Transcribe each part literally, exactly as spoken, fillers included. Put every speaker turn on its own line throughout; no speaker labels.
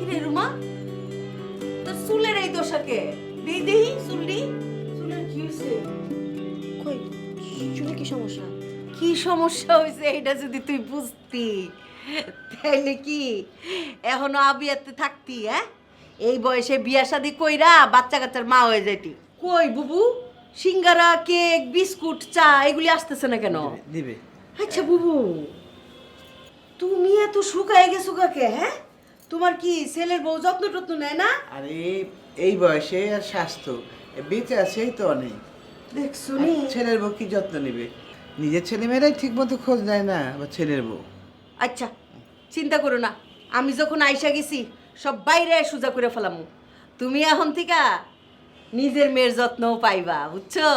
রে রুমা, তোর চুলের এই দশাকে দেই দেই চুলটি চুলের কি হয়েছে?
কই চুলে কি সমস্যা?
কি সমস্যা হয়েছে এটা যদি তুই বুঝতি তাইলে কি এখনো আবিয়াতে থাকতি? হ্যাঁ, এই বয়সে বিয়া শাদি কইরা বাচ্চা কাচ্চার মা হয়ে যাইতি। কই বুবু, সিঙ্গারা, কেক, বিস্কুট, চা এগুলি আসতেছে না কেন?
দিবে।
আচ্ছা বুবু, তুমি এত শুকায় গেছো কাকে? হ্যাঁ, তোমার কি ছেলের বউ যত্ন টত্ন নেয় না?
আরে এই বয়সে আর স্বাস্থ্য বেঁচে আছে এই তো অনেক।
দেখছো
আর
নি?
ছেলের বউ কি যত্ন নিবে? নিজের ছেলে মেয়েরাই ঠিক মতো খোঁজ নেয় না, আবার ছেলের বউ।
আচ্ছা চিন্তা করো না, আমি যখন আইসা গেছি সব বাইরে সোজা করে ফেলাম। তুমি এখন থেকে নিজের মেয়ের যত্নও পাইবা, বুঝছো?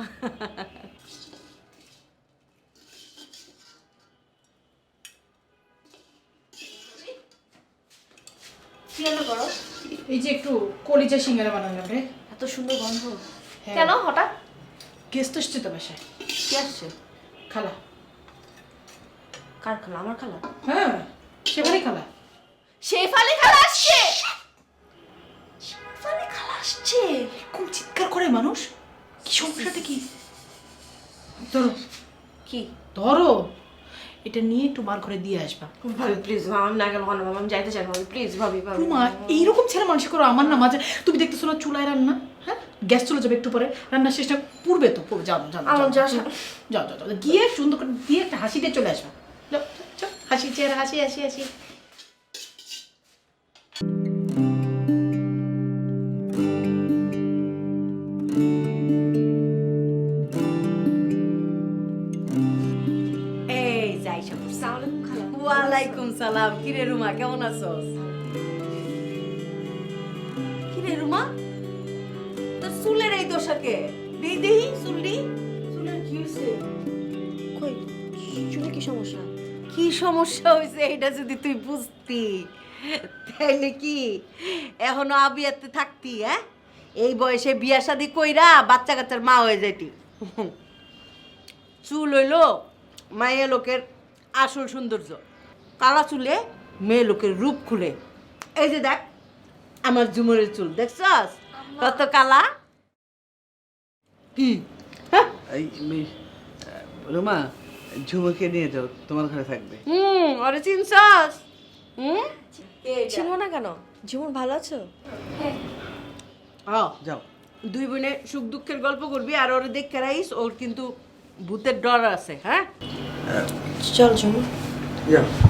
কি রান্না করো?
এই যে একটু কলিজা সিঙ্গারা বানালাম রে।
এত সুন্দর গন্ধ।
হ্যাঁ।
কেন হঠাৎ?
গেস্ট আসছে তো বাসায়।
কি আসছে?
খালা।
কার খালা? আমার খালা?
হ্যাঁ, সেবারই খালা।
শেফালি খালা আসছে। শেফালি খালা আসছে।
এরকম চিৎকার করে মানুষ, কি সমস্যাটা কি? ধরো
কি?
ধরো, এটা নিয়ে একটু মার ঘরে দিয়ে আসবা।
ভাবি প্লিজ, আমি না গেলে ভালো, আমি যাইতে চাই না ভাবি, প্লিজ ভাবি ভাবি।
রুমা, এইরকম ছেলে মানুষ করো আমার না মাঝে। তুমি দেখতেছো না চুলায় রান্না? হ্যাঁ, গ্যাস চলে যাবে একটু পরে, রান্নার শেষটা পূর্বে তো পূর্বে। যাও যাও
আমার
যাও
যা-
যাও যাও যাও গিয়ে সুন্দর করে দিয়ে একটা হাসি দিয়ে চলে আসবা। যাও, যাও, হাসি চেহারা, হাসি হাসি হাসি।
এই যাই সব।
সালাম খালা।
ওয়ালাইকুম সালাম। কিরে রুমা, কেমন আছোস? কিরে রুমা, তোর চুলের এই দশাকে দেই দেই চুলটি চুলের কি হয়েছে?
কই চুলে কি সমস্যা?
কি সমস্যা হয়েছে এটা যদি তুই বুঝতি তাইলে কি এখনো আবিয়াতে থাকতি? হ্যাঁ, এই বয়সে বিয়া শাদি কইরা বাচ্চা কাচ্চার মা হয়ে যাইতি। চুল হইলো মায়ের লোকের আসল সৌন্দর্য, কালা চুলে মেয়ে লোকের রূপ খুলে। এই যে দেখ আমার ঝুমুরের চুল, দেখছস কত কালা?
কি
হ্যাঁ?
এই মি- আহ, রুমা, ঝুমুকে নিয়ে যাও, তোমার ঘরে থাকবে।
হুম, আরে চিনছস? হুম,
চিনবো না কেন? জীবন ভালো আছো?
হ্যাঁ,
যাও।
দুই বোনে সুখ দুঃখের গল্প করবি আর ওরে দেখে রাইস, ওর কিন্তু ভূতের ডর আছে। হ্যাঁ,
চল ঝুমু।
যাও।